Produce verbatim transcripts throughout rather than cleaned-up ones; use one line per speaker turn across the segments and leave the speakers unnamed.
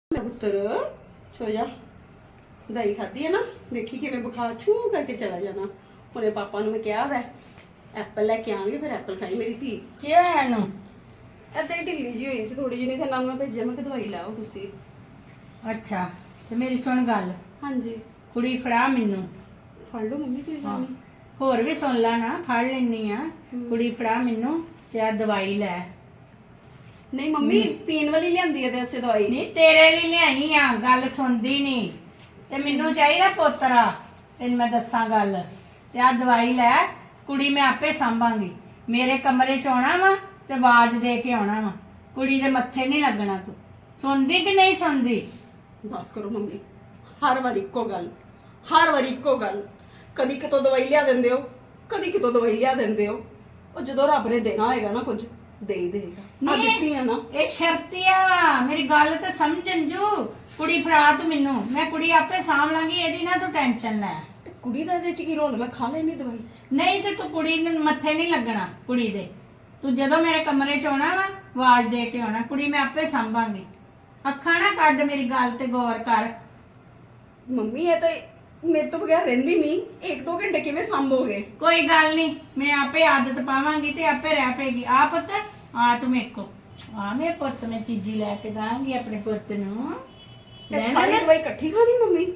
ਪੁੱਤਰ ਸੋ ਜਾ ਦਹੀਂ ਖਾਧੀ ਹੈ ਨਾ ਦੇਖੀ ਕਿਵੇਂ ਬੁਖਾਰ ਛੂ ਕਰਕੇ ਚਲਾ ਜਾਣਾ ਹੁਣੇ ਪਾਪਾ ਨੂੰ ਮੈਂ ਕਿਹਾ ਵੈ ਐਪਲ ਲੈ ਕੇ ਆਵਾਂਗੇ ਫਿਰ ਐਪਲ ਖਾਈ ਮੇਰੀ ਧੀ
ਕੀ ਹੋਇਆ ਇਹਨੂੰ?
ਏਦਾਂ ਹੀ ਢਿੱਲੀ ਜੀ ਹੋਈ ਸੀ ਥੋੜੀ ਜਿਹੀ, ਨਹੀਂ ਤੇ ਨਾਲ ਮੈਂ ਭੇਜਿਆ ਮੈਂ ਕਿ ਦਵਾਈ ਲਾਓ ਤੁਸੀਂ।
ਅੱਛਾ ਤੇ ਮੇਰੀ ਸੁਣ ਗੱਲ,
ਹਾਂਜੀ
ਕੁੜੀ ਫੜਾ ਮੈਨੂੰ।
ਫੜ ਲਓ ਮੰਮੀ ਕੋਈ ਗੱਲ ਨਹੀਂ।
ਹੋਰ ਵੀ ਸੁਣ ਲਾ ਨਾ, ਫੜ ਲੈਣੀ ਆ। ਕੁੜੀ ਫੜਾ ਮੈਨੂੰ ਤੇ ਆ ਦਵਾਈ ਲੈ।
ਨਹੀਂ ਮੰਮੀ ਪੀਣ ਵਾਲੀ ਲਿਆਂਦੀ ਹੈ ਤੇ ਅਸੇ ਦਵਾਈ
ਨਹੀਂ ਤੇਰੇ ਲਈ ਲਿਆਈ ਆ, ਗੱਲ ਸੁਣਦੀ ਨਹੀਂ ਤੇ ਮੈਨੂੰ ਚਾਹੀਦਾ ਪੋਤਰਾ। ਤੈਨੂੰ ਮੈਂ ਦੱਸਾਂ ਗੱਲ, ਤੇ ਆ ਦਵਾਈ ਲੈ, ਕੁੜੀ ਮੈਂ ਆਪੇ ਸੰਭਾਂਗੀ। ਮੇਰੇ ਕਮਰੇ ਚ ਆਉਣਾ ਵਾ ਤੇ ਆਵਾਜ਼ ਦੇ ਕੇ ਆਉਣਾ ਵਾ, ਕੁੜੀ ਦੇ ਮੱਥੇ ਨਹੀਂ ਲੱਗਣਾ। ਤੂੰ ਸੁਣਦੀ ਕਿ ਨਹੀਂ ਸੁਣਦੀ?
ਬਸ ਕਰੋ ਮੰਮੀ, ਹਰ ਵਾਰ ਇੱਕੋ ਗੱਲ, ਹਰ ਵਾਰ ਇੱਕੋ ਗੱਲ। ਕਦੀ ਕਿਤੋਂ ਦਵਾਈ ਲਿਆ ਦਿੰਦੇ ਹੋ, ਕਦੀ ਕਿਤੋਂ ਦਵਾਈ ਲਿਆ ਦਿੰਦੇ ਹੋ। ਉਹ ਜਦੋਂ ਰੱਬ ਨੇ ਦੇਣਾ ਹੋਏਗਾ ਨਾ ਕੁਝ ਦੇ ਹੀ ਦੇਗਾ। ਆ ਦਿੱਤੀ ਆ ਨਾ,
ਇਹ ਸ਼ਰਤੀਆ ਵਾ। ਮੇਰੀ ਗੱਲ ਤੇ ਸਮਝ ਅੰਜੂ। ਕੁੜੀ ਫੜਾ ਤੂੰ ਮੈਨੂੰ, ਮੈਂ ਕੁੜੀ ਆਪੇ ਸਾਂਭ ਲਾਂਗੀ, ਇਹਦੀ ਨਾ ਤੂੰ ਟੈਨਸ਼ਨ ਲੈ।
ਤੇ ਕੁੜੀ ਦਾ ਇਹਦੇ ਚ ਕੀ ਰੋਲ? ਮੈਂ ਖਾ ਲੈਣੀ ਦਵਾਈ।
ਨਹੀਂ ਤੇ ਤੂੰ ਕੁੜੀ ਨੂੰ ਮੱਥੇ ਨਹੀਂ ਲੱਗਣਾ, ਕੁੜੀ ਦੇ। ਤੂੰ ਜਦੋਂ ਮੇਰੇ ਕਮਰੇ ਚ ਆਉਣਾ ਵਾ ਆਵਾਜ਼ ਦੇ ਕੇ ਆਉਣਾ, ਕੁੜੀ ਮੈਂ ਆਪੇ ਸੰਭਾਂਗੀ। ਅੱਖਾਂ ਨਾ ਕੱਢ, ਮੇਰੀ ਗੱਲ ਤੇ ਗੌਰ ਕਰ।
ਮੰਮੀ ਇਹ ਤਾਂ ਮੇਰੇ ਤੋਂ ਬਗੈਰ ਰਹਿੰਦੀ ਨਹੀਂ, ਇੱਕ ਦੋ ਘੰਟੇ ਕਿਵੇਂ ਸੰਭੋਗੇ?
ਕੋਈ ਗੱਲ ਨਹੀਂ, ਮੈਂ ਆਪੇ ਆਦਤ ਪਾਵਾਂਗੀ ਤੇ ਆਪੇ ਰਹਿ ਪਏਗੀ। ਆ ਪੁੱਤ ਆ ਤੂੰ ਮੇਰੇ ਕੋ ਆ, ਮੇਰੇ ਪੁੱਤ ਮੈਂ ਚੀਜ਼ੀ ਲੈ ਕੇ ਦਾਂਗੀ ਆਪਣੇ ਪੁੱਤ ਨੂੰ।
ਇਹ ਸਾਰੀ ਦਵਾਈ ਇਕੱਠੀ ਖਾਣੀ ਮੰਮੀ?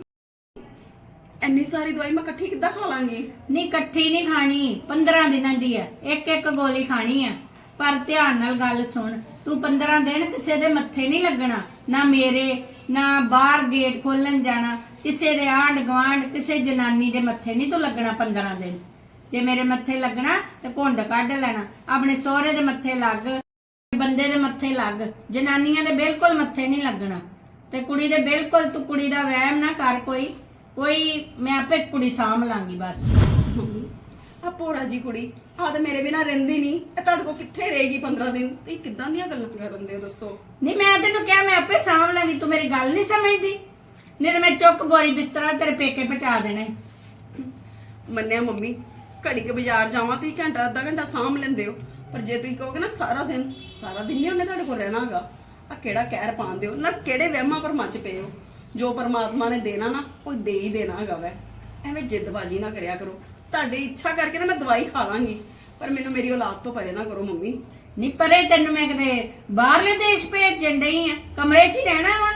ਇੰਨੀ ਸਾਰੀ ਦਵਾਈ ਮੈਂ ਇਕੱਠੀ ਕਿੱਦਾਂ ਖਾ ਲਾਂਗੀ?
ਨਹੀਂ ਇਕੱਠੀ ਨਹੀਂ ਖਾਣੀ, ਪੰਦਰਾਂ ਦਿਨਾਂ ਦੀ ਹੈ, ਇੱਕ ਇੱਕ ਗੋਲੀ ਖਾਣੀ ਹੈ। ਪਰ ਧਿਆਨ ਨਾਲ ਗੱਲ ਸੁਣ, ਤੂੰ ਪੰਦਰਾਂ ਦਿਨ ਕਿਸੇ ਦੇ ਮੱਥੇ ਨਹੀਂ ਲੱਗਣਾ, ਨਾ ਮੇਰੇ ਨਾ ਬਾਹਰ ਗੇਟ ਖੋਲਣ ਜਾਣਾ, ਕਿਸੇ ਦੇ ਆਂਢ ਗੁਆਂਢ ਕਿਸੇ ਜਨਾਨੀ ਦੇ ਮੱਥੇ ਨਹੀਂ ਤੂੰ ਲੱਗਣਾ ਪੰਦਰਾਂ ਦਿਨ। ਜੇ ਮੇਰੇ ਮੱਥੇ ਲੱਗਣਾ ਤੇ ਘੁੰਡ ਕੱਢ ਲੈਣਾ। ਆਪਣੇ ਸਹੁਰੇ ਦੇ ਮੱਥੇ ਲੱਗ, ਬੰਦੇ ਦੇ ਮੱਥੇ ਲੱਗ, ਜਨਾਨੀਆਂ ਦੇ ਬਿਲਕੁਲ ਮੱਥੇ ਨਹੀਂ ਲੱਗਣਾ। ਤੇ ਕੁੜੀ ਦੇ ਬਿਲਕੁਲ ਤੂੰ ਕੁੜੀ ਦਾ ਵਹਿਮ ਨਾ ਕਰ। ਕੋਈ ਕੋਈ ਮੈਂ ਆਪੇ ਕੁੜੀ ਸਾਂਭ ਲਾਂਗੀ ਬਸ।
ਮੰਮੀ ਆ ਪੋਰਾ ਜੀ ਕੁੜੀ ਆ ਤੇ ਮੇਰੇ ਬਿਨਾ ਰਹਿੰਦੀ ਨਹੀਂ, ਇਹ ਤੁਹਾਡੇ ਕੋਲ ਕਿੱਥੇ ਰਹੇਗੀ ਪੰਦਰਾਂ ਦਿਨ? ਤੇ ਕਿੱਦਾਂ ਦੀਆਂ ਗੱਲਾਂ ਕਰਨ ਦੇ ਹੋ ਦੱਸੋ?
ਨਹੀਂ ਮੈਂ ਤੈਨੂੰ ਕਿਹਾ ਮੈਂ ਆਪੇ ਸਾਂਭ ਲਾਂਗੀ, ਤੂੰ ਮੇਰੀ ਗੱਲ ਨਹੀਂ ਸਮਝਦੀ। ਨਹੀਂ ਤੇ ਮੈਂ ਚੁੱਕ ਬੋਰੀ ਬਿਸਤਰਾ ਤੇਰੇ ਪੇਕੇ ਪਹੁੰਚਾ ਦੇਣਾ ਈ।
ਮੰਨਿਆ ਮੰਮੀ, ਘੜੀ ਕੇ ਬਾਜ਼ਾਰ ਜਾਵਾਂ ਤੁਸੀਂ ਘੰਟਾ ਅੱਧਾ ਘੰਟਾ ਸਾਂਭ ਲੈਂਦੇ ਹੋ, ਪਰ ਜੇ ਤੁਸੀਂ ਕਹੋਗੇ ਨਾ ਸਾਰਾ ਦਿਨ, ਸਾਰਾ ਦਿਨ ਨਹੀਂ ਉਹਨੇ ਤੁਹਾਡੇ ਕੋਲ ਰਹਿਣਾ ਹੈਗਾ। ਆ ਕਿਹੜਾ ਕਹਿਰ ਪਾਉਂਦੇ ਹੋ ਨਾ, ਕਿਹੜੇ ਵਹਿਮਾਂ ਭਰਮਾਂ ਚ ਪਏ ਹੋ? ਜੋ ਪਰਮਾਤਮਾ ਨੇ ਦੇਣਾ ਨਾ ਉਹ ਦੇ ਹੀ ਦੇਣਾ ਹੈਗਾ ਵੈ। ਐਵੇਂ ਜਿੱਦਬਾਜ਼ੀ ਨਾ ਕਰਿਆ ਕਰੋ। ਤੁਹਾਡੀ ਇੱਛਾ ਕਰਕੇ ਨਾ ਮੈਂ ਦਵਾਈ ਖਾ ਲਾਂਗੀ, ਪਰ ਮੈਨੂੰ ਮੇਰੀ ਔਲਾਦ ਤੋਂ ਪਰੇ ਨਾ ਕਰੋ ਮੰਮੀ।
ਨਹੀਂ ਪਰੇ ਤੈਨੂੰ ਮੈਂ ਕਿਤੇ ਬਾਹਰਲੇ ਦੇਸ਼ ਭੇਜਣ ਡਈ ਆ, ਕਮਰੇ 'ਚ ਹੀ ਰਹਿਣਾ ਵਾ।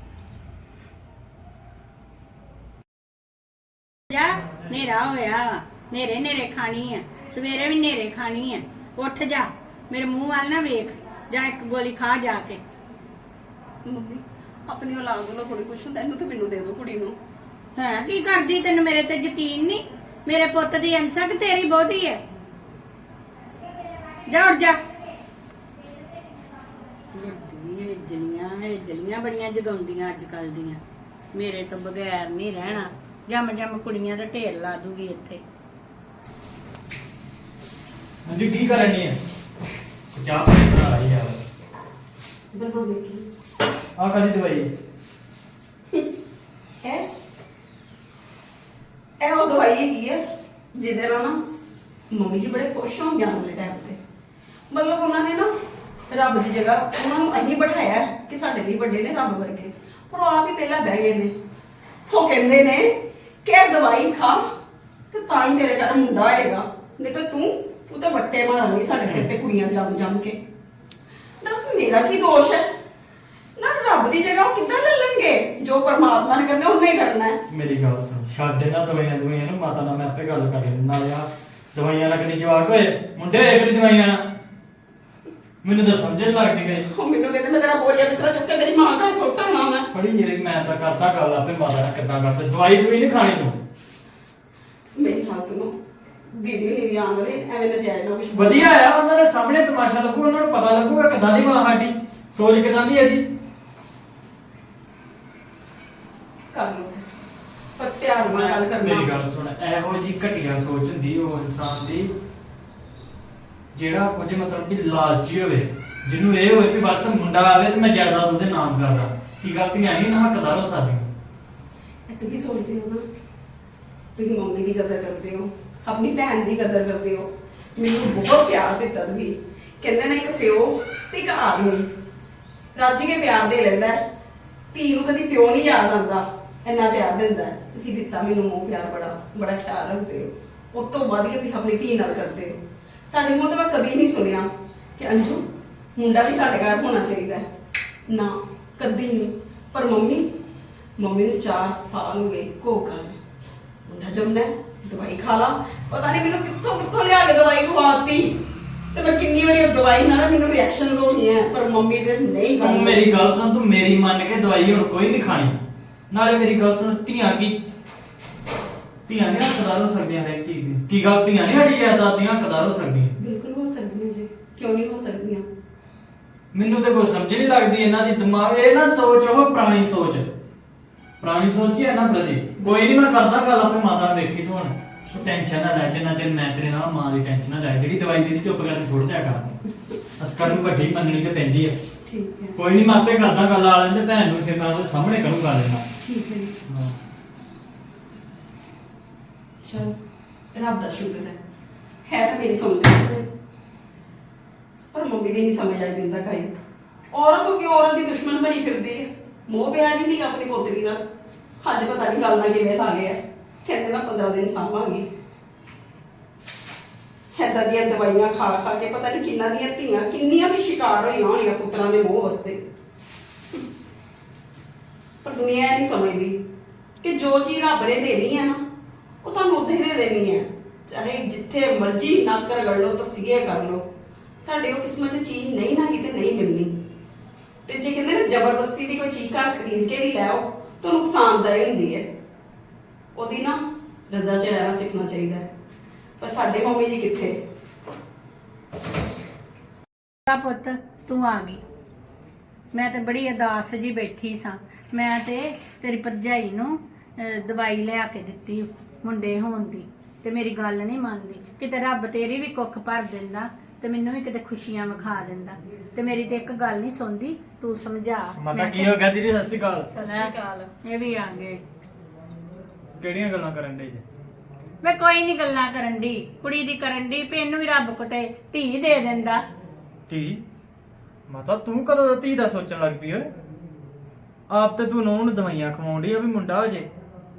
ਜਾ ਹਨੇਰਾ ਹੋਇਆ, ਨੇਰੇ ਨੇਰੇ ਖਾਣੀ ਆ, ਸਵੇਰੇ ਵੀ ਨੇਰੇ ਖਾਣੀ ਆ। ਉੱਠ ਜਾ, ਮੇਰੇ ਮੂੰਹ ਵੱਲ ਨਾ ਵੇਖ, ਜਾਂ ਇੱਕ ਗੋਲੀ ਖਾ ਜਾ ਕੇ।
ਮੰਮੀ ਆਪਣੀ ਔਲਾਦ ਵੱਲੋਂ ਥੋੜੀ ਕੁਛ ਹੁੰਦਾ, ਇਹਨੂੰ ਤੇ ਮੈਨੂੰ ਦੇ ਦਿਓ ਕੁੜੀ ਨੂੰ।
ਹਾਂ ਕੀ ਕਰਦੀ? ਤੈਨੂੰ ਮੇਰੇ ਤੇ ਯਕੀਨ ਨਹੀਂ? ਮੇਰੇ ਪੁੱਤ ਦੀ ਅੰਸਾ ਕਿ ਤੇਰੀ ਬਹੁਤੀ ਹੈ? ਜਾ ਉੱਠ ਜਾ। ਇਹ ਜਲੀਆਂ ਇਹ ਜਲੀਆਂ ਬੜੀਆਂ ਜਗਾਉਂਦੀਆਂ ਅੱਜ ਕੱਲ ਦੀਆਂ। ਮੇਰੇ ਤੋਂ ਬਗੈਰ ਨਹੀਂ ਰਹਿਣਾ, ਜੰਮ ਜੰਮ ਕੁੜੀਆਂ ਦਾ ਢੇਰ ਲਾ ਦੂਗੀ ਇੱਥੇ।
ਹਾਂਜੀ ਕੀ ਕਰਨੀ ਹੈ? ਚਾਹ ਪਾਣੀ ਬਣਾ ਰਹੀ ਯਾਰ।
ਬਣਾਉਣੇ ਕੀ
ਆ ਕਾਦੀ ਦਵਾਈ
ਹੈ? ਇਹ ਉਹ ਦਵਾਈ ਹੈਗੀ ਹੈ ਜਿਹਦੇ ਨਾਲ ਨਾ ਮੰਮੀ ਜੀ ਬੜੇ ਖੁਸ਼ ਹੋਣ ਜਾਣ ਵਾਲੇ ਟਾਈਮ ਤੇ। ਮਤਲਬ ਉਹਨਾਂ ਨੇ ਨਾ ਰੱਬ ਦੀ ਜਗ੍ਹਾ ਉਹਨਾਂ ਨੂੰ ਅਹੀਂ ਬਿਠਾਇਆ ਕਿ ਸਾਡੇ ਲਈ ਵੱਡੇ ਨੇ ਰੱਬ ਵਰਗੇ, ਪਰ ਉਹ ਆਪ ਹੀ ਪਹਿਲਾਂ ਬਹਿ ਗਏ ਨੇ। ਉਹ ਕਹਿੰਦੇ ਨੇ ਕਿ ਇਹ ਦਵਾਈ ਖਾ ਤੇ ਤਾਂ ਹੀ ਤੇਰੇ ਘਰ ਮੁੰਡਾ ਆਏਗਾ, ਨਹੀਂ ਤਾਂ ਤੂੰ ਤੂੰ ਤਾਂ ਵੱਟੇ ਮਾਰਾਂਗੀ ਸਾਡੇ ਸਿਰ ਤੇ ਕੁੜੀਆਂ ਜੰਮ ਜੰਮ ਕੇ। ਦੱਸ ਮੇਰਾ ਕੀ ਦੋਸ਼ ਹੈ? ਨਾ ਰੱਬ ਦੀ ਜਗ੍ਹਾ ਉਹ ਕਿੱਦਾਂ ਲੈ ਲੈਣਗੇ? ਜੋ ਪਰਮਾਤਮਾ ਨੇ ਕਰਨਾ ਉਹਨੇ ਹੀ ਕਰਨਾ ਹੈ।
ਮੇਰੀ ਗੱਲ ਸੁਣ, ਛੱਡ ਨਾ ਦਵਾਈਆਂ ਦਵਾਈਆਂ ਨੂੰ, ਮਾਤਾ ਨਾਲ ਮੈਂ ਆਪੇ ਗੱਲ ਕਰ ਲੈਣਾ। ਨਾਲੇ ਆ ਦਵਾਈਆਂ ਨਾਲ ਕਦੀ ਜਵਾਕ ਹੋਏ, ਮੁੰਡੇ ਹੋਏ ਕਦੀ ਦਵਾਈਆਂ ਨਾਲ? ਮੈਨੂੰ ਤਾਂ ਸਮਝ ਨਹੀਂ ਲੱਗਦੀ ਗਈ।
ਉਹ ਮੈਨੂੰ ਕਹਿੰਦੇ ਮੈਂ ਤੇਰਾ ਬੋਰੀਆ ਬਿਸਤਰਾ ਚੁੱਕ ਕੇ ਤੇਰੀ ਮਾਂ ਘਰ ਸੁੱਟਾਂ ਨਾ ਮੈਂ।
ਬੜੀ ਜਿਹੜੀ ਮੈਂ ਤਾਂ ਕਰਦਾ ਗੱਲ ਆਪੇ ਮਾਤਾ ਨਾਲ ਕਿੱਦਾਂ ਕਰਦੇ। ਦਵਾਈ ਦਵਾਈ ਨਹੀਂ ਖਾਣੀ ਤੂੰ।
ਮੇਰੀ ਗੱਲ ਸੁਣੋ, ਦੀਦੀ ਨਹੀਂ ਵੀ ਆਉਣ ਵਾਲੇ, ਐਵੇਂ ਨਜਾਇਜ਼ ਨਾ ਕੁਛ
ਵਧੀਆ ਆ, ਉਹਨਾਂ ਦੇ ਸਾਹਮਣੇ ਤਮਾਸ਼ਾ ਲੱਗੂ, ਉਹਨਾਂ ਨੂੰ ਪਤਾ ਲੱਗੂਗਾ ਕਿੱਦਾਂ ਦੀ ਮਾਂ ਸਾਡੀ, ਸੋਚ ਕਿੱਦਾਂ ਦੀ ਇਹਦੀ।
ਕਰ ਲਓ, ਪਰ ਧਿਆਨ ਨਾਲ ਗੱਲ ਕਰਨਾ।
ਮੇਰੀ ਗੱਲ ਸੁਣ, ਇਹੋ ਜੀ ਘਟੀਆ ਸੋਚ ਹੁੰਦੀ ਉਹ ਇਨਸਾਨ ਦੀ ਜਿਹੜਾ ਕੁਝ ਮਤਲਬ ਕਿ ਲਾਲਚੀ ਹੋਵੇ, ਜਿਹਨੂੰ ਇਹ ਹੋਵੇ ਕਿ ਬਸ ਮੁੰਡਾ ਆਵੇ ਤੇ ਮੈਂ ਜਾਇਦਾਦ ਉਹਦੇ ਨਾਮ ਕਰਦਾ। ਕੀ ਗਲਤੀਆਂ ਨਹੀਂ ਨਾ ਹੱਕਦਾਰ ਹੋ ਸਕਦੀ।
ਇਹ ਤੁਸੀਂ ਸੋਚਦੇ ਹੋ ਨਾ, ਤੁਸੀਂ ਮੰਮੀ ਦੀ ਕਦਰ ਕਰਦੇ ਹੋ, ਆਪਣੀ ਭੈਣ ਦੀ ਕਦਰ ਕਰਦੇ ਹੋ। ਮੈਨੂੰ ਬਹੁਤ ਪਿਆਰ ਦਿੱਤਾ ਤੁਸੀਂ। ਕਹਿੰਦੇ ਨੇ ਇੱਕ ਪਿਓ ਤੇ ਇੱਕ ਆਦਮੀ ਰੱਜ ਕੇ ਪਿਆਰ ਦੇ ਲੈਂਦਾ, ਧੀ ਨੂੰ ਕਦੀ ਪਿਓ ਨਹੀਂ ਯਾਦ ਆਉਂਦਾ, ਇੰਨਾ ਪਿਆਰ ਦਿੰਦਾ ਹੈ। ਤੁਸੀਂ ਦਿੱਤਾ ਮੈਨੂੰ ਮੋਹ ਪਿਆਰ, ਬੜਾ ਬੜਾ ਖਿਆਲ ਰੱਖਦੇ ਹੋ। ਉਸ ਤੋਂ ਵੱਧ ਕੇ ਤੁਸੀਂ ਆਪਣੀ ਧੀ ਨਾਲ ਕਰਦੇ ਹੋ। ਤੁਹਾਡੇ ਮੂੰਹ ਤੋਂ ਮੈਂ ਕਦੀ ਨਹੀਂ ਸੁਣਿਆ ਕਿ ਅੰਜੂ ਮੁੰਡਾ ਵੀ ਸਾਡੇ ਘਰ ਹੋਣਾ ਚਾਹੀਦਾ ਹੈ, ਨਾ ਕਦੀ ਨਹੀਂ। ਪਰ ਮੰਮੀ ਮੰਮੀ ਨੂੰ ਚਾਰ ਸਾਲ ਹੋ ਗਏ ਕੋ ਗੱਲ ਮੁੰਡਾ ਜੰਮਣਾ ਹੈ, ਦਵਾਈ ਖਾ ਲਾ। ਪਤਾ ਨਹੀਂ ਮੈਨੂੰ ਕਿੱਥੋਂ ਕਿੱਥੋਂ ਲਿਆ ਕੇ ਦਵਾਈ ਖਵਾਤੀ, ਤੇ ਮੈਂ ਕਿੰਨੀ ਵਾਰੀ ਉਹ ਦਵਾਈ ਨਾਲ ਮੈਨੂੰ ਰਿਐਕਸ਼ਨਸ ਹੋਈਆਂ, ਪਰ ਮੰਮੀ ਦੇ ਨਹੀਂ
ਤੂੰ
ਖਾਣੀ।
ਮੇਰੀ ਗੱਲ ਸੁਣ, ਤੂੰ ਮੇਰੀ ਮੰਨ ਕੇ ਦਵਾਈ ਹੁਣ ਕੋਈ ਨਹੀਂ ਖਾਣੀ। ਨਾਲੇ ਮੇਰੀ ਗੱਲ ਸੁਣ, ਧੀਆਂ ਕੀ ਧੀਆਂ ਨਹੀਂ ਹੱਕਦਾਰ ਹੋ ਸਕਦੀਆਂ ਹਰੇਕ ਚੀਜ਼ ਦੀ। ਕੀ ਗੱਲ ਧੀਆਂ ਨਹੀਂ ਸਾਡੀ ਜਾਇਦਾਦ ਦੀਆਂ ਹੱਕਦਾਰ ਹੋ ਸਕਦੀਆਂ?
ਬਿਲਕੁਲ ਹੋ ਸਕਦੀਆਂ ਜੀ, ਕਿਉਂ ਨਹੀਂ ਹੋ ਸਕਦੀਆਂ।
ਮੈਨੂੰ ਤੇ ਕੋਈ ਸਮਝ ਨਹੀਂ ਲੱਗਦੀ ਇਹਨਾਂ ਦੀ ਦਿਮਾਗ। ਇਹ ਨਾ ਸੋਚ ਉਹ ਪੁਰਾਣੀ ਸੋਚ ਪੁਰਾਣੀ ਸੋਚ ਹੀ ਹੈ ਨਾ ਪ੍ਰਤੀ। ਕੋਈ ਨਹੀਂ, ਮੈਂ ਕਰਦਾ ਗੱਲ ਆਪੇ ਮਾਤਾ ਨੂੰ ਵੇਖੀ ਤੂੰ ਹੁਣ। ਤੂੰ ਟੈਨਸ਼ਨ ਨਾ ਲੈ, ਜਿੰਨਾ ਚਿਰ ਮੈਂ ਤੇਰੇ ਨਾਲ ਮਾਂ ਦੀ ਟੈਨਸ਼ਨ ਨਾ ਲੈ। ਜਿਹੜੀ ਦਵਾਈ ਦੀ ਚੁੱਪ ਕਰਕੇ ਸੁੱਟ ਦਿਆ ਕਰ। ਅਸਕਰ ਨੂੰ ਵੱਡੀ ਮੰਨਣੀ ਤੇ ਪੈਂਦੀ ਹੈ।
ਠੀਕ ਹੈ,
ਕੋਈ ਨਹੀਂ, ਮੈਂ ਆਪੇ ਕਰਦਾ ਗੱਲ ਆ ਲੈਂਦੇ ਭੈਣ ਨੂੰ, ਫਿਰ ਮੈਂ ਉਹਦੇ ਸਾਹਮਣੇ ਕਰੂੰਗਾ ਲੈਣਾ।
ਠੀਕ ਹੈ ਜੀ।
ਹਾਂ।
ਚਲ ਰੱਬ ਦਾ ਸ਼ੁਕਰ ਹੈ ਹੈ ਤਾਂ ਮੇਰੀ ਸੁਣ ਲੈਂਦੇ, ਪਰ ਮੰਮੀ ਦੀ ਨਹੀਂ ਸਮਝ ਆਈ ਦਿੰਦਾ ਕਾਈ। ਔਰਤ ਹੋ ਕੇ ਔਰਤ ਦੀ ਦੁਸ਼ਮਣ ਬਣੀ ਫਿਰਦੀ ਹੈ। ਮੋਹ ਪਿਆਰ ਹੀ ਨਹੀਂ ਆਪਣੀ ਪੋਤਰੀ ਨਾਲ। ਅੱਜ ਪਤਾ ਨਹੀਂ ਗੱਲ ਨਾ ਕਿਵੇਂ ਲਾ ਲਿਆ, ਕਹਿੰਦੇ ਨਾ ਪੰਦਰਾਂ ਦਿਨ ਸਾਂਭਾਂਗੀ। ਏਦਾਂ ਦੀਆਂ ਦਵਾਈਆਂ ਖਾ ਖਾ ਕੇ ਪਤਾ ਨਹੀਂ ਕਿੰਨਾ ਦੀਆਂ ਧੀਆਂ ਕਿੰਨੀਆਂ ਵੀ ਸ਼ਿਕਾਰ ਹੋਈਆਂ ਹੋਣੀਆਂ ਪੁੱਤਰਾਂ ਦੇ ਮੋਹ ਵਾਸਤੇ। ਪਰ ਦੁਨੀਆ ਇਹ ਨਹੀਂ ਸਮਝਦੀ ਕਿ ਜੋ ਚੀਜ਼ ਰੱਬ ਨੇ ਦੇਣੀ ਹੈ ਨਾ, ਉਹ ਤੁਹਾਨੂੰ ਉੱਥੇ ਦੇ ਦੇਣੀ ਹੈ। ਚਾਹੇ ਜਿੱਥੇ ਮਰਜ਼ੀ ਨੱਕ ਰਗੜ ਲਓ, ਤਸੀਹੇ ਕਰ ਲਓ, ਤੁਹਾਡੇ ਉਹ ਕਿਸਮਤ 'ਚ ਚੀਜ਼ ਨਹੀਂ ਨਾ ਕਿਤੇ ਨਹੀਂ ਮਿਲਣੀ। ਤੇ ਜੇ ਕਹਿੰਦੇ ਨਾ ਜ਼ਬਰਦਸਤੀ ਦੀ ਕੋਈ ਚੀਜ਼ ਘਰ ਖਰੀਦ ਕੇ ਵੀ ਲੈ ਆਓ ਤਾਂ ਨੁਕਸਾਨਦਾਇਕ ਹੁੰਦੀ ਹੈ। ਉਹਦੀ ਨਾ ਰਜ਼ਾ 'ਚ ਰਹਿਣਾ ਸਿੱਖਣਾ ਚਾਹੀਦਾ ਹੈ। ਪਰ ਸਾਡੇ ਮੰਮੀ ਜੀ ਕਿੱਥੇ।
ਆ ਪੁੱਤ ਤੂੰ ਆ ਗਈ। ਮੈਂ ਤੇ ਬੜੀ ਉਦਾਸ ਜੀ ਬੈਠੀ ਸਾਂ। ਮੈਂ ਤੇ ਤੇਰੀ ਭਰਜਾਈ ਨੂੰ ਅਹ, ਦਵਾਈ ਲਿਆ ਕੇ ਦਿੱਤੀ ਮੁੰਡੇ ਹੋਣ ਦੀ, ਤੇ ਮੇਰੀ ਗੱਲ ਨਹੀਂ ਮੰਨਦੀ। ਕਿਤੇ ਰੱਬ ਤੇਰੀ ਵੀ ਕੁੱਖ ਭਰ ਦਿੰਦਾ ਤੇ ਮੈਨੂੰ ਵੀ ਕਿਤੇ ਖੁਸ਼ੀਆਂ ਵਿਖਾ ਦਿੰਦਾ, ਤੇ ਮੇਰੀ ਤੇ ਇੱਕ ਗੱਲ ਨਹੀਂ ਸੁਣਦੀ। ਤੂੰ ਸਮਝਾ।
ਮਾਤਾ ਕੀ ਹੋ ਗਿਆ ਦੀਦੀ? ਸਤਿ ਸ਼੍ਰੀ ਅਕਾਲ।
ਸਤਿ ਸ਼੍ਰੀ ਅਕਾਲ। ਇਹ ਵੀ ਆ ਗਏ।
ਕਿਹੜੀਆਂ ਗੱਲਾਂ ਕਰਨ ਦੇ ਜੇ?
ਮੈਂ ਕੋਈ ਨਹੀਂ ਗੱਲਾਂ ਕਰਨ ਦੀ, ਕੁੜੀ ਦੀ ਕਰਨ ਦੀ, ਵੀ ਇਹਨੂੰ ਵੀ ਰੱਬ ਕੋਤੇ ਧੀ ਦੇ ਦਿੰਦਾ।
ਧੀ? ਮਾਤਾ ਤੂੰ ਕਦੋਂ ਦਾ ਧੀ ਦਾ ਸੋਚਣ ਲੱਗ ਪਈ ਓਏ? ਆਪ ਤੇ ਤੂੰ ਨੂੰਹ ਨੂੰ ਦਵਾਈਆਂ ਖਵਾਉਂਦੀ ਆ ਵੀ ਮੁੰਡਾ ਹੋ ਜੇ।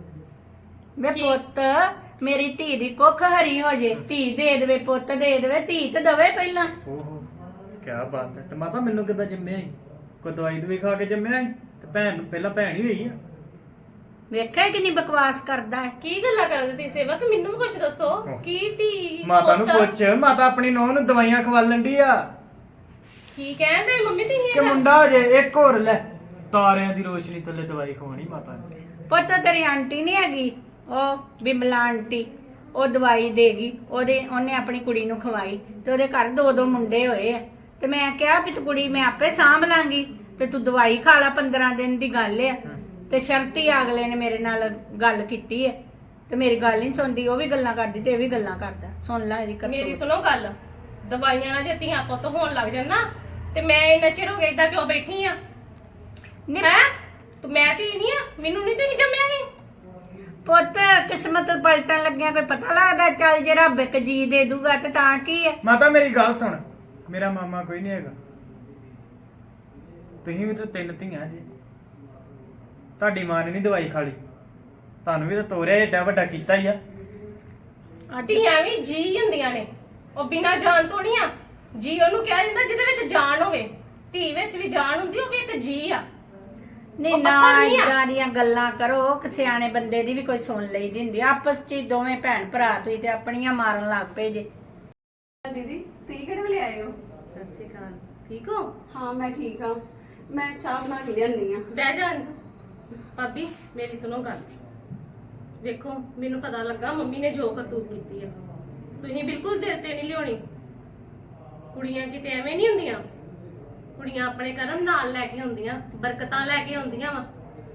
ਵੇ ਪੁੱਤ ਮੇਰੀ ਧੀ ਦੀ ਕੁੱਖ ਹਰੀ ਹੋ ਜੇ, ਧੀ ਦੇ ਦੇਵੇ, ਪੁੱਤ ਦੇ ਦੇਵੇ, ਧੀ ਤੇ ਦਵੇ ਪਹਿਲਾਂ।
ਓਹੋ ਕੀ ਬਾਤ ਹੈ। ਤੇ ਮਾਤਾ ਮੈਨੂੰ ਕਿੱਦਾਂ ਜੰਮਿਆ ਸੀ? ਕੋਈ ਦਵਾਈ ਦਵਾਈ ਖਾ ਕੇ ਜੰਮਿਆ ਸੀ? ਤੇ ਭੈਣ ਨੂੰ ਪਹਿਲਾਂ ਭੈਣ ਹੀ ਹੋਈ ਆ।
ਵੇਖਿਆ ਕਿੰਨੀ ਬਕਵਾਸ ਕਰਦਾ ਹੈ।
ਕੀ ਗੱਲਾਂ ਕਰਦੇ ਤੁਸੀਂ ਸੇਵਕ? ਮੈਨੂੰ ਵੀ ਕੁਝ ਦੱਸੋ। ਕੀ ਧੀ
ਮਾਤਾ ਨੂੰ
ਪੁੱਤ?
ਪੁੱਛ, ਮਾਤਾ ਆਪਣੀ ਨੂੰਹ ਨੂੰ ਦਵਾਈਆਂ ਖਵਾਲਣ ਦੀ ਆ
ਕੀ ਕਹਿੰਦੇ ਮੰਮੀ ਤੁਸੀਂ
ਕਿ
ਇਹ ਗੱਲ?
ਮੁੰਡਾ ਹੋ ਜੇ। ਇੱਕ ਹੋਰ ਲੈ, ਤਾਰਿਆਂ ਦੀ ਰੋਸ਼ਨੀ ਥੱਲੇ ਦਵਾਈ ਖਵਾਉਣੀ ਮਾਤਾ ਨੇ।
ਪੁੱਤ ਤੇਰੀ ਆਂਟੀ ਨਹੀਂ ਹੈਗੀ, ਉਹ ਬਿਮਲਾ ਆਂਟੀ, ਉਹ ਦਵਾਈ ਦੇਗੀ। ਉਹਦੇ ਉਹਨੇ ਆਪਣੀ ਕੁੜੀ ਨੂੰ ਖਵਾਈ, ਤੇ ਉਹਦੇ ਘਰ ਦੋ ਦੋ ਮੁੰਡੇ ਹੋਏ ਆ। ਤੇ ਮੈਂ ਕਿਹਾ ਵੀ ਤੂੰ ਕੁੜੀ ਮੈਂ ਆਪੇ ਸਾਂਭ ਲਾਂਗੀ, ਤੇ ਤੂੰ ਦਵਾਈ ਖਾ ਲਾ, ਪੰਦਰਾਂ ਦਿਨ ਦੀ ਗੱਲ ਆ। ਤੇ ਸ਼ਰਤੀ ਅਗਲੇ ਨੇ ਮੇਰੇ ਨਾਲ ਗੱਲ ਕੀਤੀ ਹੈ, ਤੇ ਮੇਰੀ ਗੱਲ ਨਹੀਂ ਸੁਣਦੀ। ਉਹ ਵੀ ਗੱਲਾਂ ਕਰਦੀ ਤੇ ਇਹ ਵੀ ਗੱਲਾਂ ਕਰਦਾ। ਸੁਣ ਲੈ ਇਹਦੀ ਕਰਤੂਤ।
ਮੇਰੀ ਸੁਣੋ ਗੱਲ। ਦਵਾਈਆਂ ਨਾਲ ਜੇ ਧੀਆਂ ਪੁੱਤ ਹੋਣ ਲੱਗ ਜਾਣ ਨਾ, ਤੇ ਮੈਂ ਇੰਨਾ ਚਿਰ ਹੋ ਗਿਆ ਏਦਾਂ ਕਿਉਂ ਬੈਠੀ ਆ?
ਨਹੀਂ
ਹੈ ਤੂੰ ਮੈਂ ਧੀ ਨਹੀਂ ਆ? ਮੈਨੂੰ ਨਹੀਂ ਤੁਸੀਂ ਜੰਮਿਆ ਸੀ?
ਪੁੱਤ ਕਿਸਮਤ ਪਲਟਣ ਲੱਗਿਆ ਕੋਈ ਪਤਾ ਲੱਗਦਾ? ਚੱਲ ਜੇ ਰੱਬ ਇੱਕ ਜੀ ਦੇ ਦੂਗਾ ਤੇ ਤਾਂ ਕੀ ਹੈ।
ਮਾਤਾ ਮੇਰੀ ਗੱਲ ਸੁਣ, ਮੇਰਾ ਮਾਮਾ ਕੋਈ ਨਹੀਂ ਹੈਗਾ। ਤੁਸੀਂ ਵੀ ਤਾਂ ਤਿੰਨ ਧੀਆਂ ਜੀ। ਤੁਹਾਡੀ ਮਾਂ ਨੇ ਨਹੀਂ ਦਵਾਈ ਖਾ ਲਈ, ਤੁਹਾਨੂੰ ਵੀ ਤਾਂ ਤੋਰਿਆ ਏਡਾ ਵੱਡਾ ਕੀਤਾ ਹੀ ਆ।
ਧੀਆਂ ਵੀ ਜੀ ਹੁੰਦੀਆਂ ਨੇ, ਉਹ ਬਿਨਾਂ ਜਾਨ ਤੋਂ ਨਹੀਂ ਆ। ਜੀ ਉਹਨੂੰ ਕਿਹਾ ਜਾਂਦਾ ਜਿਹਦੇ ਵਿੱਚ ਜਾਨ ਹੋਵੇ। ਧੀ ਵਿੱਚ ਵੀ ਜਾਨ ਹੁੰਦੀ, ਉਹ ਵੀ ਇੱਕ ਜੀ ਆ।
ਨਹੀਂ
ਉਹ
ਨਾ
ਪੱਥਰ ਨਹੀਂ ਆ।
ਇਦਾਂ ਦੀਆਂ ਗੱਲਾਂ ਕਰੋ ਕਿ ਸਿਆਣੇ ਬੰਦੇ ਦੀ ਵੀ ਕੋਈ ਸੁਣ ਲਈਦੀ ਹੁੰਦੀ। ਆਪਸ ਚ ਹੀ ਦੋਵੇਂ ਭੈਣ ਭਰਾ ਤੁਸੀਂ ਤੇ ਆਪਣੀਆਂ ਮਾਰਨ ਲੱਗ ਪਏ ਜੇ।
ਦੀਦੀ ਤੁਸੀਂ ਕਿਹੜੇ ਵੇਲੇ ਆਏ ਹੋ?
ਸਤਿ ਸ਼੍ਰੀ ਅਕਾਲ। ਠੀਕ ਹੋ?
ਹਾਂ ਮੈਂ ਠੀਕ ਹਾਂ। ਮੈਂ ਚਾਹ ਬਣਾ ਕੇ ਲਿਆਨੀ ਆ।
ਬਹਿ ਜਾ ਅੰਜ। ਭਾਬੀ ਮੇਰੀ ਸੁਣੋ ਗੱਲ। ਵੇਖੋ ਮੈਨੂੰ ਪਤਾ ਲੱਗਾ ਮੰਮੀ ਨੇ ਜੋ ਕਰਤੂਤ ਕੀਤੀ ਆ। ਤੁਸੀਂ ਬਿਲਕੁਲ ਦਿਲ ਤੇ ਨਹੀਂ ਲਿਆਉਣੀ। ਕੁੜੀਆਂ ਕਿਤੇ ਐਵੇਂ ਨਹੀਂ ਹੁੰਦੀਆਂ। ਕੁੜੀਆਂ ਆਪਣੇ ਕਰਮ ਨਾਲ ਲੈ ਕੇ ਆਉਂਦੀਆਂ, ਬਰਕਤਾਂ ਲੈ ਕੇ ਆਉਂਦੀਆਂ ਵਾ।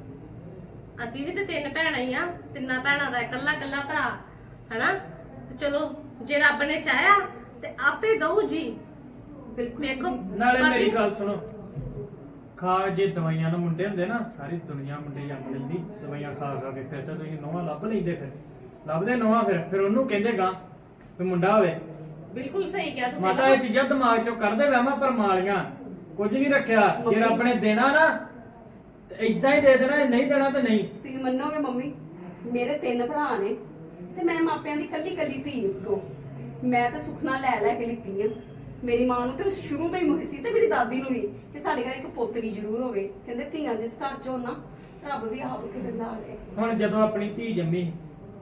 ਅਸੀਂ ਵੀ ਤੇ ਤਿੰਨ ਭੈਣਾਂ ਹੀ ਆ, ਤਿੰਨਾਂ ਭੈਣਾਂ ਦਾ ਇਕੱਲਾ ਇਕੱਲਾ ਭਰਾ ਹਨਾ। ਤੇ ਚਲੋ ਜੇ ਰੱਬ ਨੇ ਚਾਹਿਆ ਤੇ ਆਪੇ ਦਊ ਜੀ।
ਬਿਲਕੁਲ
ਵੇਖੋ
ਨਾਲੇ ਮੇਰੀ
ਭਾਬੀ,
ਗੱਲ ਸੁਣੋ, ਖਾ ਜੇ ਦਵਾਈਆਂ ਨੂੰ ਮੁੰਡੇ ਹੁੰਦੇ ਨਾ, ਸਾਰੀ ਦੁਨੀਆ ਮੁੰਡੇ ਜੰਮ ਲੈਂਦੀ ਦਵਾਈਆਂ ਖਾ ਖਾ ਕੇ। ਫਿਰ ਤਾਂ ਤੁਸੀਂ ਨੋਹਾਂ ਲੱਭ ਲੈਂਦੇ, ਫਿਰ ਲੱਭਦੇ ਨੋਹਾਂ, ਫਿਰ ਫਿਰ ਉਹਨੂੰ ਕਹਿੰਦੇ ਗਾ ਵੀ ਮੁੰਡਾ ਹੋਵੇ।
ਬਿਲਕੁਲ ਸਹੀ ਕਿਹਾ ਤੁਸੀਂ।
ਮਾਤਾ ਇਹ ਚੀਜ਼ਾਂ ਦਿਮਾਗ ਚੋਂ ਕੱਢਦੇ ਵਹਿਮਾਂ ਪਰਮਾਲੀਆਂ। ਕੁਝ ਨਹੀਂ ਰੱਖਿਆ। ਜੇ ਰੱਬ ਨੇ ਦੇਣਾ ਨਾ ਤੇ ਇਦਾਂ ਹੀ ਦੇ ਦੇਣਾ, ਨਹੀਂ ਦੇਣਾ ਤੇ ਨਹੀਂ।
ਤੁਸੀਂ ਮੰਨੋਗੇ ਮੰਮੀ, ਮੇਰੇ ਤਿੰਨ ਭਰਾ ਨੇ ਤੇ ਮੈਂ ਮਾਪਿਆਂ ਦੀ ਕੱਲੀ ਕੱਲੀ ਧੀ ਕੋ ਮੈਂ ਤਾਂ ਸੁਖਨਾ ਲੈ ਲੈ ਕੇ ਲਿੱਤੀ ਆ। ਮੇਰੀ ਮਾਂ ਨੂੰ ਤੇ ਸ਼ੁਰੂ ਤੋਂ ਹੀ ਮੁਹੀ ਸੀ ਤੇ ਮੇਰੀ ਦਾਦੀ ਨੂੰ ਵੀ ਕਿ ਸਾਡੇ ਘਰ ਇੱਕ ਪੋਤਰੀ ਜ਼ਰੂਰ ਹੋਵੇ। ਕਹਿੰਦੇ ਧੀਆਂ ਜਿਸ ਘਰ ਚ ਹੋਣ ਨਾ ਰੱਬ ਵੀ ਆਪ ਕੇ ਦਿੰਦਾ ਆਵੇ।
ਹੁਣ ਜਦੋਂ ਆਪਣੀ ਧੀ ਜੰਮੀ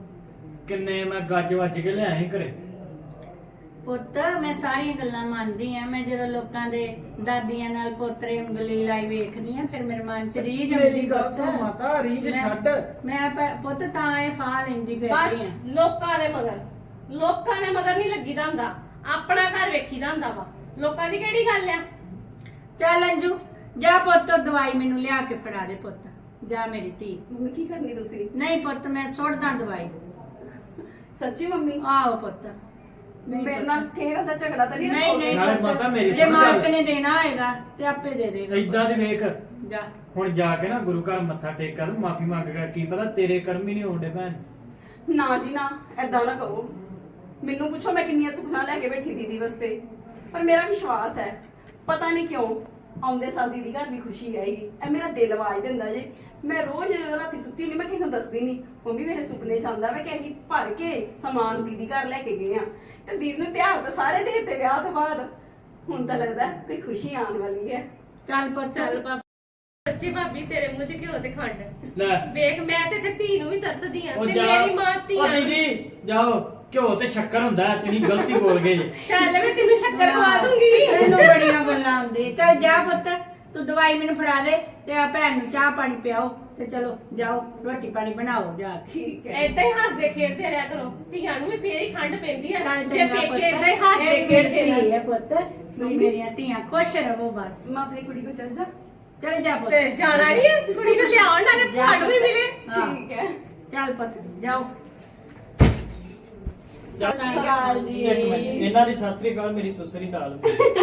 ਕਿੰਨੇ ਮੈਂ ਗੱਜ ਵੱਜ ਕੇ ਲਿਆਇਆ ਸੀ ਘਰੇ।
ਪੁੱਤ ਮੈਂ ਸਾਰੀਆਂ ਗੱਲਾਂ ਮੰਨਦੀ ਆ। ਮੈਂ ਜਦੋਂ ਲੋਕਾਂ ਦੇ ਦਾਦੀਆਂ ਨਾਲ ਪੋਤਰੇ ਉਂਗਲੀ ਲਾਈ ਵੇਖਦੀ ਆ ਫਿਰ ਮੇਰੇ ਮਨ ਚ ਰੀਝ ਆਉਂਦੀ।
ਮੇਰੀ ਗੱਲ ਸੁਣ ਮਾਤਾ, ਰੀਝ
ਮੈਂ-
ਛੱਡ।
ਮੈਂ ਪ- ਪੁੱਤ ਤਾਂ ਇਹ ਫਾਹ ਲੈਂਦੀ ਫਿਰਦੀ
ਬਸ
ਆ।
ਲੋਕਾਂ ਦੇ ਮਗਰ ਲੋਕਾਂ ਦੇ ਮਗਰ ਨਹੀਂ ਲੱਗੀਦਾ ਹੁੰਦਾ, ਆਪਣਾ ਘਰ ਵੇਖੀਦਾ ਹੁੰਦਾ ਵਾ। ਲੋਕਾਂ ਦੀ ਕਿਹੜੀ ਗੱਲ ਆ?
ਚੱਲ ਅੰਜੂ ਜਾ ਪੁੱਤ ਦਵਾਈ ਮੈਨੂੰ ਲਿਆ ਕੇ ਫੜਾ ਦੇ ਪੁੱਤ। ਜਾ ਮੇਰੀ ਧੀ।
ਮੰਮੀ ਕੀ ਕਰਨੀ ਤੁਸੀਂ?
ਨਹੀਂ ਪੁੱਤ ਮੈਂ ਸੁੱਟਦਾ ਦਵਾਈ।
ਸੱਚੀ ਮੰਮੀ?
ਆਹੋ ਪੁੱਤ। ਨਹੀਂ
ਮੇਰੇ
ਪੁੱਤ।
ਨਾਲ ਕਿਸੇ ਦਾ ਝਗੜਾ ਤਾਂ ਨਹੀਂ
ਨਹੀਂ
ਰੱਖੋਗੇ?
ਨਹੀਂ
ਨਾਲੇ
ਪੁੱਤ,
ਮਾਤਾ ਮੇਰੀ
ਜੇ
ਸੁਣ ਗੱਲ।
ਮਾਲਕ ਨੇ ਦੇਣਾ ਹੋਏਗਾ ਤੇ ਆਪੇ ਦੇ ਦੇਗਾ।
ਇਦਾਂ ਦੇ ਵੇਖ,
ਜਾ
ਹੁਣ ਜਾ ਕੇ ਨਾ ਗੁਰੂ ਘਰ ਮੱਥਾ ਟੇਕ ਕਰ, ਮਾਫੀ ਮੰਗ ਕੇ। ਕੀ ਪਤਾ ਤੇਰੇ ਕਰਮ ਹੀ ਨਹੀਂ ਹੋਣਦੇ ਭੈਣ।
ਨਾ ਜੀ ਨਾ, ਏਦਾਂ ਨਾ ਕਹੋ। ਮੈਨੂੰ ਪੁੱਛੋ ਮੈਂ ਕਿੰਨੀਆਂ ਸੁਖਨਾ ਲੈ ਕੇ ਬੈਠੀ ਦੀਦੀ ਵਾਸਤੇ, ਪਰ ਮੇਰਾ ਵਿਸ਼ਵਾਸ ਹੈ ਪਤਾ ਨਹੀਂ ਕਿਉਂ ਆਉਂਦੇ ਸਾਲ ਦੀਦੀ ਘਰ ਵੀ ਖੁਸ਼ੀ ਆਏਗੀ। ਇਹ ਮੇਰਾ ਦਿਲ ਆਵਾਜ਼ ਦਿੰਦਾ ਜੀ। ਮੈਂ ਰੋਜ਼ ਜਦੋਂ ਰਾਤੀ ਸੁੱਤੀ ਹੁੰਦੀ ਮੈਂ ਕਿਸੇ ਨੂੰ ਦੱਸਦੀ ਨਹੀਂ, ਮੰਮੀ ਮੇਰੇ ਸੁਪਨੇ ਚ ਆਉਂਦਾ ਵਾ ਕਿ ਅਸੀਂ ਭਰ ਕੇ ਸਮਾਨ ਦੀਦੀ ਘਰ ਲੈ ਕੇ ਗਏ ਆ ਤੇ ਦੀਦੀ ਨੂੰ ਤਿਉਹਾਰ ਤਾਂ ਸਾਰੇ ਦੇ ਦਿੱਤੇ ਵਿਆਹ ਤੋਂ ਬਾਅਦ। ਹੁਣ ਤਾਂ ਲੱਗਦਾ ਕੋਈ ਖੁਸ਼ੀ ਆਉਣ ਵਾਲੀ ਹੈ।
ਚੱਲ ਪੁੱਤ
ਚੱਲ ਭਾਬੀ, ਸੱਚੀ ਭਾਬੀ ਤੇਰੇ ਮੂੰਹ 'ਚ ਘਿਓ ਤੇ ਖੰਡ।
ਲੈ
ਵੇਖ ਮੈਂ ਤੇ ਤੇ ਧੀ ਨੂੰ ਵੀ ਤਰਸਦੀ ਆ
ਉਹ
ਤੇ
ਜਾ,
ਮੇਰੀ ਮਾਂ ਧੀ
ਉਹ ਦੀਦੀ ਜਾਓ, ਘਿਓ ਤੇ ਸ਼ੱਕਰ ਹੁੰਦਾ ਹੈ, ਤੁਸੀਂ ਗਲਤੀ ਬੋਲ ਗਏ ਜੀ।
ਚੱਲ ਮੈਂ ਤੈਨੂੰ ਸ਼ੱਕਰ ਖਵਾ ਦੂੰਗੀ।
ਤੈਨੂੰ ਬੜੀਆਂ ਗੱਲਾਂ ਆਉਂਦੀਆਂ। ਚੱਲ ਜਾ ਪੁੱਤ ਤੂੰ ਦਵਾਈ ਮੈਨੂੰ ਫੜਾ ਦੇ ਤੇ ਆ ਭੈਣ ਨੂੰ ਚਾਹ ਪਾਣੀ ਪਿਆਓ ਤੇ ਚਲੋ ਜਾਓ ਰੋਟੀ ਪਾਣੀ ਬਣਾਓ ਜਾ ਕੇ।
ਠੀਕ ਹੈ।
ਏਦਾਂ ਹੀ ਹੱਸਦੇ ਖੇਡਦੇ ਰਿਹਾ ਕਰੋ, ਧੀਆਂ ਨੂੰ ਵੀ ਫੇਰ ਹੀ ਠੰਡ ਪੈਂਦੀ ਆ
ਚੱਲ
ਜੇ
ਚੰਗਾ
ਪੇਕੇ
ਪੁੱਤ।
ਏਦਾਂ ਹੀ ਹੱਸਦੇ
ਇਹ
ਖੇਡਦੇ
ਮੇਰੀ ਧੀ
ਰਹੇ।
ਹੈ ਪੁੱਤ, ਤੁਸੀਂ ਮੇਰੀਆਂ ਧੀਆਂ ਖੁਸ਼ ਰਹੋ ਬਸ।
ਮੈਂ ਆਪਣੀ ਕੁੜੀ ਕੋ ਚੱਲ ਜਾ।
ਚੱਲ ਜਾ ਪੁੱਤ।
ਤੇ ਜਾਣਾ ਨਹੀਂ ਹੈ ਕੁੜੀ ਨੂੰ ਲਿਆਉਣ ਨਾਲੇ
ਜਾ
ਤੁਹਾਨੂੰ ਵੀ
ਪੁੱਤ।
ਮਿਲੇ।
ਹਾਂ।
ਠੀਕ ਹੈ।
ਚੱਲ ਪੁੱਤ ਜਾਓ।
ਸਤਿ ਸ਼੍ਰੀ ਅਕਾਲ ਜੀ।
ਇੱਕ ਮਿੰਟ, ਇਹਨਾਂ ਦੀ ਸਤਿ ਸ੍ਰੀ ਅਕਾਲ, ਮੇਰੀ ਸੁਸਰੀ ਤਾਲ।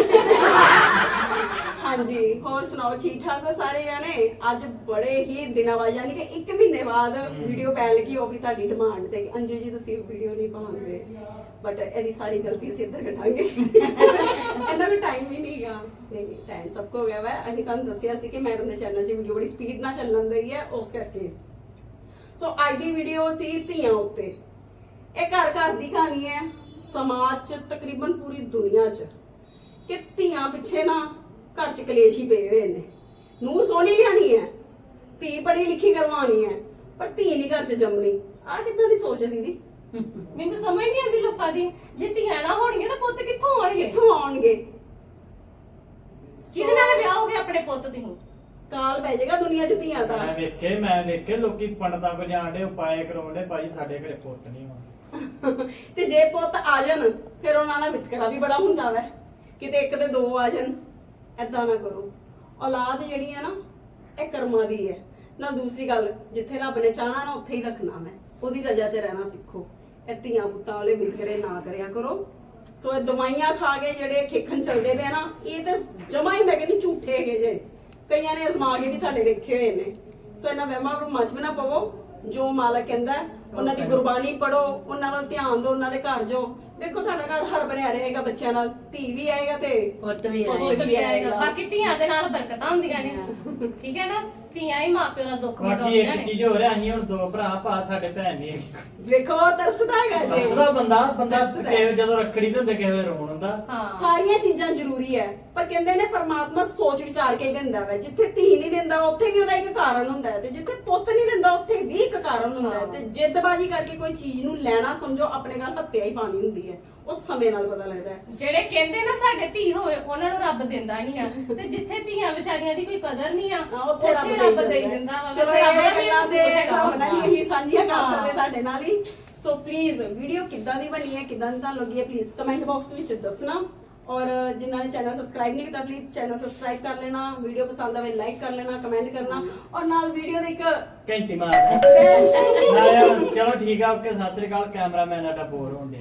ਹਾਂਜੀ, ਹੋਰ ਸੁਣਾਓ, ਠੀਕ ਠਾਕ ਹੋ ਸਾਰੇ ਜਾਣੇ? ਅੱਜ ਬੜੇ ਹੀ ਦਿਨਾਂ ਬਾਅਦ ਯਾਨੀ ਕਿ ਇੱਕ ਮਹੀਨੇ ਬਾਅਦ ਵੀਡੀਓ ਪੈਣ ਲੱਗੀ, ਉਹ ਵੀ ਤੁਹਾਡੀ ਡਿਮਾਂਡ ਤੇ ਕਿ ਅੰਜੂ ਜੀ ਤੁਸੀਂ ਵੀਡੀਓ ਨਹੀਂ ਪਾਉਂਦੇ, ਬਟ ਇਹਦੀ ਸਾਰੀ ਗਲਤੀ ਸੀ ਇੱਧਰ ਘਟਾਂਗੇ। ਇਹਨਾਂ ਵੀ ਟਾਈਮ ਵੀ ਨਹੀਂਗਾ। ਨਹੀਂ ਨਹੀਂ ਟਾਈਮ ਸਭ ਕੋ ਹੋ ਗਿਆ ਵਾ। ਅਸੀਂ ਤੁਹਾਨੂੰ ਦੱਸਿਆ ਸੀ ਕਿ ਮੈਡਮ ਦੇ ਚੈਨਲ 'ਚ ਵੀਡੀਓ ਬੜੀ ਸਪੀਡ ਨਾਲ ਚੱਲਣ ਦੀ ਹੈ, ਉਸ ਕਰਕੇ। ਸੋ ਅੱਜ ਦੀ ਵੀਡੀਓ ਸੀ ਧੀਆਂ ਉੱਤੇ। ਇਹ ਘਰ ਘਰ ਦੀ ਕਹਾਣੀ ਹੈ, ਸਮਾਜ 'ਚ ਤਕਰੀਬਨ ਪੂਰੀ ਦੁਨੀਆ 'ਚ, ਕਿ ਧੀਆਂ ਪਿੱਛੇ ਨਾ ਘਰ 'ਚ ਕਲੇਸ਼ ਹੀ ਪਏ ਹੋਏ ਨੇ। ਨੂੰਹ ਸੋਹਣੀ ਲਿਆਣੀ ਹੈ, ਧੀ ਪੜ੍ਹੀ ਲਿਖੀ ਕਰਵਾਉਣੀ ਹੈ, ਪਰ ਧੀ ਨਹੀਂ ਘਰ 'ਚ ਜੰਮਣੀ। ਆਹ ਕਿੱਦਾਂ ਦੀ ਸੋਚ ਹੈ ਦੀਦੀ?
ਮੈਨੂੰ ਤਾਂ ਸਮਝ ਨਹੀਂ ਆਉਂਦੀ ਲੋਕਾਂ ਦੀ। ਜੇ ਧੀਆਂ ਨਾ ਹੋਣਗੀਆਂ ਤਾਂ ਪੁੱਤ ਕਿੱਥੋਂ ਆਉਣਗੇ?
ਕਿੱਥੋਂ ਆਉਣਗੇ?
ਕਿਹਦੇ ਨਾਲ ਵਿਆਹ ਹੋਗੇ ਆਪਣੇ ਪੁੱਤ ਦੀ?
ਕਾਲ ਪੈ ਜਾਏਗਾ ਦੁਨੀਆ 'ਚ ਧੀਆਂ ਦਾ।
ਮੈਂ ਵੇਖੇ ਮੈਂ ਵੇਖੇ ਲੋਕੀ ਪੰਡਤਾਂ ਕੋ ਜਾਣਦੇ ਉਪਾਏ ਕਰਾਉਂਦੇ, ਭਾਈ ਸਾਡੇ ਘਰੇ ਪੁੱਤ ਨਹੀਂ ਹੋਣਾ।
ਤੇ ਜੇ ਪੁੱਤ ਆ ਜਾਣ ਫਿਰ ਉਹਨਾਂ ਦਾ ਵਿਤਕਰਾ ਵੀ ਬੜਾ ਹੁੰਦਾ ਵੈ, ਕਿਤੇ ਇੱਕ ਤੇ ਦੋ ਆ ਜਾਣ। ਏਦਾਂ ਨਾ ਕਰੋ। ਔਲਾਦ ਜਿਹੜੀ ਹੈ ਨਾ ਇਹ ਕਰਮਾਂ ਦੀ ਹੈ। ਨਾਲ ਦੂਸਰੀ ਗੱਲ, ਜਿੱਥੇ ਰੱਬ ਨੇ ਚਾਹਣਾ ਨਾ ਉੱਥੇ ਹੀ ਰੱਖਣਾ ਮੈਂ, ਉਹਦੀ ਰਜ਼ਾ 'ਚ ਰਹਿਣਾ ਸਿੱਖੋ। ਇਹ ਧੀਆਂ ਪੁੱਤਾਂ ਵਾਲੇ ਵਿਤਕਰੇ ਨਾ ਕਰਿਆ ਕਰੋ। ਸੋ ਇਹ ਦਵਾਈਆਂ ਖਾ ਕੇ ਜਿਹੜੇ ਖੇਖਣ ਚੱਲਦੇ ਪਏ ਨਾ, ਇਹ ਤਾਂ ਜਮਾ ਹੀ ਮੈਂ ਕਹਿੰਦੀ ਝੂਠੇ ਹੈਗੇ ਜੇ। ਕਈਆਂ ਨੇ ਅਜ਼ਮਾ ਕੇ ਵੀ ਸਾਡੇ ਦੇਖੇ ਹੋਏ ਨੇ। ਸੋ ਇਹਨਾਂ ਵਹਿਮਾਂ ਭਰਮਾਂ 'ਚ ਵੀ ਨਾ ਪਵੋ। ਜੋ ਮਾਲਕ ਕਹਿੰਦਾ ਉਹਨਾਂ ਦੀ ਗੁਰਬਾਣੀ ਪੜੋ, ਉਹਨਾਂ ਵੱਲ ਧਿਆਨ ਦਿਓ, ਉਹਨਾਂ ਦੇ ਘਰ ਜਾਓ। ਦੇਖੋ ਤੁਹਾਡਾ ਘਰ ਹਰ ਬਣਿਆ ਰਹੇਗਾ ਬੱਚਿਆਂ ਨਾਲ, ਧੀ ਵੀ ਆਏਗਾ ਤੇ
ਪੁੱਤ ਵੀ
ਪੁੱਤ
ਆਏਗਾ।
ਵੀ ਆਏਗਾ।
ਬਾਕੀ ਧੀਆਂ ਦੇ ਨਾਲ ਬਰਕਤਾਂ ਹੁੰਦੀਆਂ ਨੇ, ਠੀਕ ਹੈ ਨਾ? ਧੀਆਂ ਹੀ ਮਾਪਿਓ ਦਾ ਦੁੱਖ
ਬਾਕੀ
ਵੰਡਾਉਂਦੀਆਂ
ਇੱਕ
ਨੇ।
ਚੀਜ਼ ਹੋ ਰਿਹਾ, ਅਸੀਂ ਹੁਣ ਦੋ ਭਰਾ ਭਾ ਸਾਡੇ ਭੈਣ ਨਹੀਂ ਹੈਗੀ।
ਵੇਖੋ ਤਰਸਦਾ ਹੈਗਾ ਜੀ।
ਦੱਸਦਾ ਬੰਦਾ ਬੰਦਾ
ਦੱਸਦਾ।
ਕਿਸੇ ਜਦੋਂ ਰੱਖੜੀ ਤੇ ਹੁੰਦੇ ਕਿਸੇ ਵੇਲੇ ਰੋਣ ਹੁੰਦਾ।
ਹਾਂ
ਸਾਰੀਆਂ ਚੀਜ਼ਾਂ ਜ਼ਰੂਰੀ ਹੈ, ਪਰ ਕਹਿੰਦੇ ਨੇ ਪਰਮਾਤਮਾ ਸੋਚ ਵਿਚਾਰ ਕੇ ਹੀ ਦਿੰਦਾ ਵਾ। ਜਿੱਥੇ ਧੀ ਨਹੀਂ ਦਿੰਦਾ ਉੱਥੇ ਵੀ ਉਹਦਾ ਇੱਕ ਕਾਰਨ ਹੁੰਦਾ ਹੈ, ਤੇ ਜਿੱਥੇ ਪੁੱਤ ਨਹੀਂ ਦਿੰਦਾ ਉੱਥੇ ਵੀ ਇੱਕ ਕਾਰਨ ਹੁੰਦਾ ਹੈ। ਤੇ ਜਿੱਦਬਾਜ਼ੀ ਕਰਕੇ ਕੋਈ ਚੀਜ਼ ਨੂੰ ਲੈਣਾ ਸਮਝੋ ਆਪਣੇ ਨਾਲ ਹੱਤਿਆ ਹੀ ਪਾਣੀ ਹੁੰਦੀ ਹੈ। ਉਸ ਸਮੇਂ ਨਾਲ ਪਤਾ ਲੱਗਦਾ ਹੈ।
ਜਿਹੜੇ ਕਹਿੰਦੇ ਨਾ ਸਾਡੇ ਧੀ ਹੋਵੇ ਉਹਨਾਂ ਨੂੰ ਰੱਬ ਦਿੰਦਾ ਨਹੀਂ ਆ, ਤੇ ਜਿੱਥੇ ਧੀਆਂ ਵਿਚਾਰੀਆਂ ਦੀ ਕੋਈ ਕਦਰ ਨਹੀਂ ਆ
ਹਾਂ, ਉੱਥੇ ਰੱਬ
ਦੇਈ ਜਾਂਦਾ ਵਾ।
ਚਲੋ
ਵੈਸੇ ਰੱਬ ਦਾ
ਇਹ
ਵੀ
ਗੱਲਾਂ ਦੇ
ਕਸੂਰ ਹੈਗਾ
ਰੱਬ ਨਾਲ ਹੀ ਅਸੀਂ ਸਾਂਝੀਆਂ ਕਰ
ਹਾਂ।
ਸਕਦੇ ਤੁਹਾਡੇ ਨਾਲ ਹੀ। ਸੋ ਪਲੀਜ਼ ਵੀਡੀਓ ਕਿੱਦਾਂ ਦੀ ਬਣੀ ਹੈ, ਕਿੱਦਾਂ ਦੀ ਤੁਹਾਨੂੰ ਲੱਗੀ ਹੈ, ਪਲੀਜ਼ ਕਮੈਂਟ ਬਾਕਸ ਵਿੱਚ ਦੱਸਣਾ। ਔਰ ਜਿਨ੍ਹਾਂ ਨੇ ਚੈਨਲ ਸਬਸਕ੍ਰਾਈਬ ਨਹੀਂ ਕੀਤਾ ਪਲੀਜ਼ ਚੈਨਲ ਸਬਸਕ੍ਰਾਈਬ ਕਰ ਲੈਣਾ। ਵੀਡੀਓ ਪਸੰਦ ਆਵੇ ਲਾਈਕ ਕਰ ਲੈਣਾ, ਕਮੈਂਟ ਕਰਨਾ, ਔਰ ਨਾਲ ਵੀਡੀਓ ਦੇ ਇੱਕ
ਘੰਟੀ ਮਾਰ ਨਾਲੇ ਚਲੋ ਠੀਕ ਆ, ਓਕੇ, ਸਤਿ ਸ੍ਰੀ ਅਕਾਲ। ਕੈਮਰਾਮੈਨ ਸਾਡਾ ਬੋਰ ਹੁੰਦੇ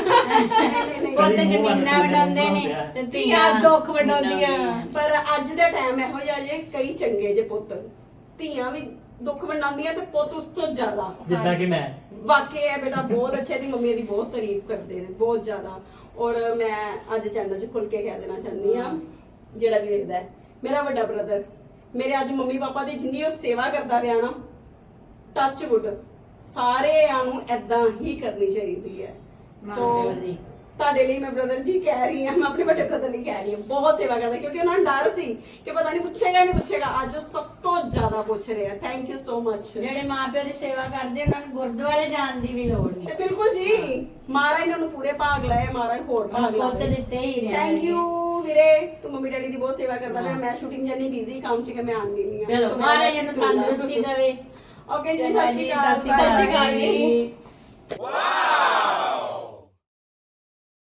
ਪੁੱਤ ਜ਼ਮੀਨਾਂ ਵੰਡਾਉਂਦੇ ਨੇ ਤੇ
ਧੀਆਂ ਦੁੱਖ ਵੰਡਾਉਂਦੀਆਂ।
ਪਰ ਅੱਜ ਦਾ ਟਾਈਮ ਇਹੋ ਜਿਹਾ ਜੇ ਕਈ ਚੰਗੇ ਜੇ ਪੁੱਤ, ਧੀਆਂ ਵੀ ਦੁੱਖ ਵੰਡਾਉਂਦੀਆਂ ਤੇ ਪੁੱਤ ਉਸ ਤੋਂ ਜ਼ਿਆਦਾ।
ਜਿੱਦਾਂ ਕਿ ਮੈਂ
ਵਾਕਈ ਹੈ ਬੇਟਾ ਬਹੁਤ ਅੱਛੇ, ਦੀ ਮੰਮੀ ਦੀ ਬਹੁਤ ਤਾਰੀਫ ਕਰਦੇ ਨੇ ਬਹੁਤ ਜ਼ਿਆਦਾ। ਔਰ ਮੈਂ ਅੱਜ ਚੈਨਲ 'ਚ ਖੁੱਲ ਕੇ ਕਹਿ ਦੇਣਾ ਚਾਹੁੰਦੀ ਆ, ਜਿਹੜਾ ਵੀ ਵੇਖਦਾ ਹੈ, ਮੇਰਾ ਵੱਡਾ ਬ੍ਰਦਰ ਮੇਰੇ ਅੱਜ ਮੰਮੀ ਪਾਪਾ ਦੀ ਜਿੰਨੀ ਉਹ ਸੇਵਾ ਕਰਦਾ ਪਿਆ ਨਾ, ਟੱਚ ਵੁੱਡ, ਸਾਰਿਆਂ ਨੂੰ ਐਦਾਂ ਹੀ ਕਰਨੀ ਚਾਹੀਦੀ ਹੈ। ਸੋ
ਮਾਂ ਪਿਓ ਦੀ।
ਤੁਹਾਡੇ ਲਈ ਮੈਂ ਬ੍ਰਦਰ ਜੀ ਕਹਿ ਰਹੀ ਹਾਂ, ਮੈਂ ਆਪਣੇ ਵੱਡੇ ਬ੍ਰਦਰ ਲਈ ਕਹਿ ਰਹੀ ਹਾਂ, ਬਹੁਤ ਸੇਵਾ ਕਰਦਾ, ਕਿਉਂਕਿ ਉਹਨਾਂ ਨੂੰ ਡਰ ਸੀ ਕਿ ਪਤਾ ਨਹੀਂ ਪੁੱਛੇਗਾ ਨਹੀਂ ਪੁੱਛੇਗਾ, ਅੱਜ ਉਹ ਸਭ ਤੋਂ ਜ਼ਿਆਦਾ ਪੁੱਛ ਰਿਹਾ। Thank you so much.
ਜਿਹੜੇ ਮਾਪਿਓ ਦੀ ਸੇਵਾ ਕਰਦੇ ਉਹਨਾਂ ਨੂੰ ਗੁਰਦੁਆਰੇ ਜਾਣ ਦੀ ਵੀ ਲੋੜ ਨਹੀਂ।
ਤੇ ਬਿਲਕੁਲ ਜੀ, ਮਹਾਰਾਜ ਇਹਨਾਂ ਨੂੰ ਪੂਰੇ ਭਾਗ ਲਾਏ, ਮਹਾਰਾਜ ਹੋਰ ਭਾਗ
ਪੁੱਤ
ਲਾਏ।
ਦਿੱਤੇ ਹੀ ਰਹਿਣ।
ਥੈਂਕ ਯੂ ਵੀਰੇ, ਤੂੰ ਮੰਮੀ ਡੈਡੀ ਦੀ ਬਹੁਤ ਸੇਵਾ ਕਰਦਾ ਪਿਆ। ਮੈਂ ਸ਼ੂਟਿੰਗ ਜੰਨੀ ਬਿਜ਼ੀ ਕੰਮ ਚ ਕਿ ਮੈਂ ਆਉਂਦੀ ਨਹੀਂ ਆ।
ਚਲੋ ਮਹਾਰਾਜ ਨੂੰ ਤੰਦਰੁਸਤੀ ਦੇਵੇ।
ਓਕੇ ਜੀ,
ਚੰਗਾ
ਸਤਿ ਸ਼੍ਰੀ ਅਕਾਲ।
ਸਤਿ ਸ਼੍ਰੀ ਅਕਾਲ ਜੀ।
ਵਾਓ।